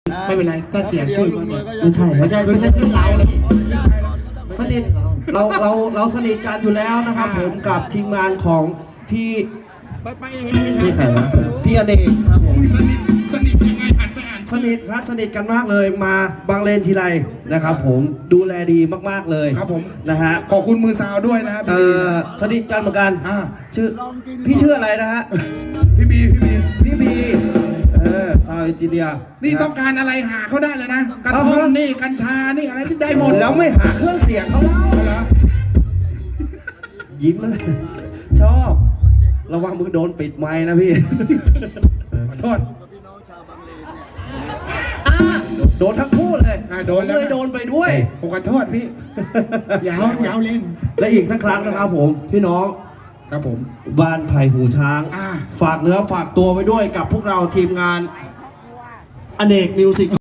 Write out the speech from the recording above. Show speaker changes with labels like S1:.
S1: ไม่เป็นไรถ้าเสียชื่อก็เนี่ย
S2: ไม่ใช่ชื่อเราสนิทเราสนิทกันอยู่แล้วนะครับผมกับทีมงานของพี่ใครวะพี่อเนกครับผม
S1: สนิทยังไงอ่านไปอ่าน
S2: สนิทครับสนิทกันมากเลยมาบางเลนทีไรนะครับผมดูแลดีมากๆเลย
S1: ครับผม
S2: นะฮะ
S1: ขอบคุณมือซาวด้วยนะครับพี่บี
S2: สนิทกันเหมือนกัน
S1: ชื่อ
S2: พี่ชื่ออะไรนะฮะ
S1: พี่บี
S2: พี่บีซาวเอนจิเนียร์
S1: นี่ต้องการอะไรหาเขาได้เลยนะกระท่อมนี่กัญชานี่อะไรที่ได้หมด
S2: แล้วไม่หาเครื่องเสียงเขาแล้ว
S1: เหรอ
S2: ยิ้มเลยชอบระวังมือโดนปิดไม้นะพี่
S1: ขอโทษ
S2: โดนทั้งคู่เลย
S1: โดนแล้ว
S2: เลยโดนไปด้วย
S1: ผมขอโทษพี่ยาวเล่น
S2: และอีกสักครั้งนะครับผมพี่น้อง
S1: ครับผม
S2: บ้านไผ่หูช้าง ฝากเนื้อฝากตัวไว้ด้วยกับพวกเราทีมงานอเนกมิวสิก